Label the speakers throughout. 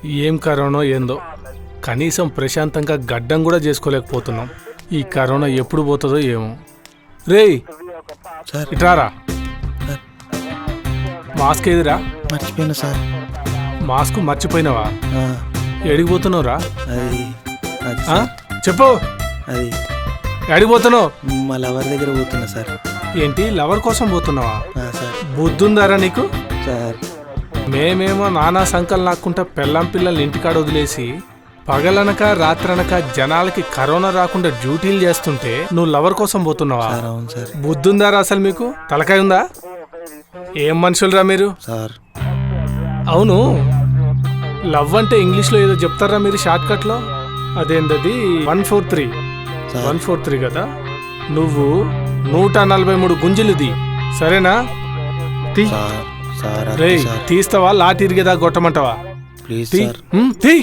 Speaker 1: ఏం కరోనా ఏందో కనీసం ప్రశాంతంగా గడ్డం కూడా చేసుకోలేకపోతున్నాం. ఈ కరోనా ఎప్పుడు పోతుందో ఏమో. రేయ్ ఇట్రారా. మాస్క్ ఏదిరా?
Speaker 2: మర్చిపోయినా సార్.
Speaker 1: మాస్క్ మర్చిపోయినావా? ఎడిగిపోతున్నావురా?
Speaker 2: అది
Speaker 1: చెప్పు.
Speaker 2: అది
Speaker 1: ఎడిగిపోతున్నావు?
Speaker 2: మా లవర్ దగ్గర పోతున్నా సార్.
Speaker 1: ఏంటి లవర్ కోసం పోతున్నావా?
Speaker 2: సార్.
Speaker 1: బుద్ధుందారా నీకు?
Speaker 2: సార్
Speaker 1: మేమేమో నానా సంకల్ నాకుంటా పెళ్ళాం పిల్లల్ని ఇంటికాడ వదిలేసి పగలనక రాత్రనక జనాలకి కరోనా రాకుండా డ్యూటీలు చేస్తుంటే నువ్వు లవర్ కోసం పోతున్నావా?
Speaker 2: సార్ అవును సార్.
Speaker 1: బుద్ధుందారా అసలు మీకు? తలకాయ ఉందా? ఏం మనుషులరా మీరు?
Speaker 2: సార్
Speaker 1: అవును, లవ్ అంటే ఇంగ్లీష్లో ఏదో చెప్తారా మీరు షార్ట్ కట్లో? అదేంటది 143
Speaker 2: సార్.
Speaker 1: 143 కదా. నువ్వు 143 గుంజులుది సరేనా? తీ.
Speaker 2: సార్ సార్ అది
Speaker 1: రేయ్
Speaker 2: సార్.
Speaker 1: తీస్తావా లాటి ఇరిగేదా కొట్టమంటావా?
Speaker 2: ప్లీజ్
Speaker 1: తీ.
Speaker 2: సార్.
Speaker 1: తీ.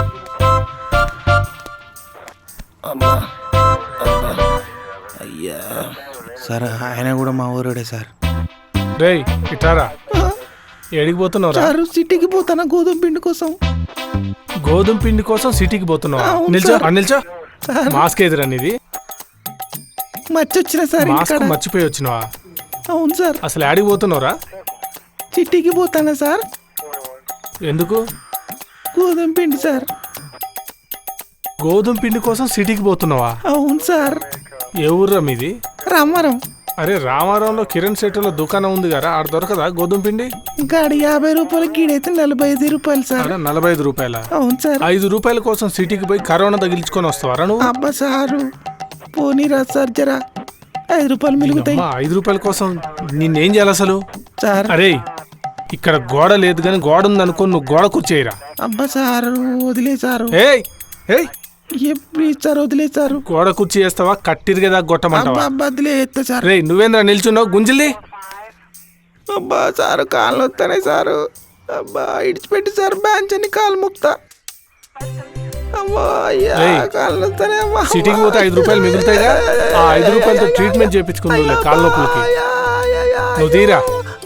Speaker 2: అమ్మా అమ్మా అయ్యా సార్ ఆయన కూడా మా ఊరుడే సార్.
Speaker 1: రేయ్ ఇటారా. ఎడిగిపోతున్నావురా?
Speaker 2: సార్ సిటీకి పోతానా గోధుమ పిండి కోసం.
Speaker 1: గోధుమ పిండి కోసం సిటీకి పోతున్నావా?
Speaker 2: అవును
Speaker 1: నిల్చో
Speaker 2: సార్.
Speaker 1: నిల్చో.
Speaker 2: సార్
Speaker 1: మాస్క్ ఎదురా నీది?
Speaker 2: మర్చొచ్చిన సార్
Speaker 1: మాస్క్
Speaker 2: ఇంటికాడ.
Speaker 1: మర్చిపోయి వచ్చినావా?
Speaker 2: అవును సార్.
Speaker 1: అసలు యాడికి పోతున్నావురా?
Speaker 2: సిటీకి పోతానా సార్.
Speaker 1: ఎందుకు?
Speaker 2: గోధుమ పిండి సార్.
Speaker 1: గోధుమ పిండి కోసం సిటీకి పోతున్నావా?
Speaker 2: అవును సార్.
Speaker 1: ఏ ఊర్రా మీది?
Speaker 2: రామారం.
Speaker 1: అరే రామారంలో కిరణ్ శెట్టిలో దుకాణం ఉంది కదా, ఆడ దొరకదా గోధుమ పిండి?
Speaker 2: గాడి 50 రూపాయలు గీడైతే 45 రూపాయలు సార్.
Speaker 1: అరే 45 రూపాయల?
Speaker 2: అవును సార్.
Speaker 1: 5 రూపాయల కోసం సిటీకి పోయి కరోనా తగిలించుకొని వస్తావారా నువ్వు?
Speaker 2: అబ్బా సారు పోనీరా సార్ జరా 5 రూపాయలు మిగులుతాయి.
Speaker 1: 5 రూపాయల కోసం నిన్నేం చేయాలి అసలు?
Speaker 2: సార్
Speaker 1: అరే ఇక్కడ గోడ లేదు కానీ గోడ ఉందనుకో, నువ్వు గోడ కూర్చేయరా.
Speaker 2: అబ్బా సారు వదిలేసారు.
Speaker 1: ఏయ్ ఏయ్
Speaker 2: ఎప్పుడు ఇచ్చారు వదిలేసారు.
Speaker 1: గోడ కుర్చీ వేస్తావా కట్టిరిగేదా
Speaker 2: అబ్బా
Speaker 1: గొట్టమంటావా?
Speaker 2: అబ్బా వదిలే ఎత్తా సార్.
Speaker 1: రే నువ్వేంద్రా నిల్చున్నావు గుంజిల్లి?
Speaker 2: అబ్బా సారు కాళ్ళు వస్తానే సారు. అబ్బా ఇడిచిపెట్టి సార్ బ్యాంచ్ అని కాలు ముక్తా. అమ్మా అయ్యా
Speaker 1: ఏయ్,
Speaker 2: కాళ్ళు వస్తానే. అమ్మా
Speaker 1: సిటీకి పోతే 5 రూపాయలు మిగులుతాయిగా, ఆ 5 రూపాయలతో ట్రీట్మెంట్ చేయించుకుందులే కాళ్ళ నొప్పులకి. నువ్వు తీరా.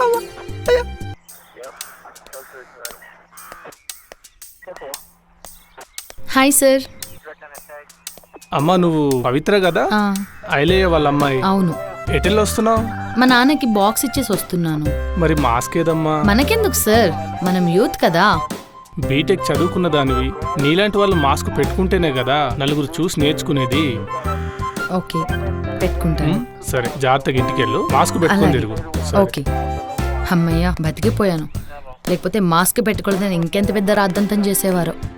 Speaker 3: Hi sir.
Speaker 1: అమ్మా నువ్వు పవిత్ర కదా? ఐలయ్య వాళ్ళ అమ్మాయి.
Speaker 3: అవును.
Speaker 1: ఎటెల్ వస్తున్నావు?
Speaker 3: మా నాన్నకి బాక్స్ ఇచ్చేసి వస్తున్నాను.
Speaker 1: మరి మాస్క్ ఏదమ్మా?
Speaker 3: మనకెందుకు సార్, మనం యూత్ కదా.
Speaker 1: బీటెక్ చదువుకున్న దానివి, నీలాంటి వాళ్ళు మాస్క్ పెట్టుకుంటేనే కదా నలుగురు చూసి నేర్చుకునేది.
Speaker 3: ఓకే పెట్టుకుంటాను.
Speaker 1: సరే జాగ్రత్తగా ఇంటికెళ్ళు, మాస్క్ పెట్టుకొని
Speaker 3: అలాగే.
Speaker 1: తిరుగు.
Speaker 3: ఓకే. అమ్మయ్య బతికిపోయాను, లేకపోతే మాస్క్ పెట్టుకోలేదని ఇంకెంత పెద్ద రాద్దంతం చేసేవారో.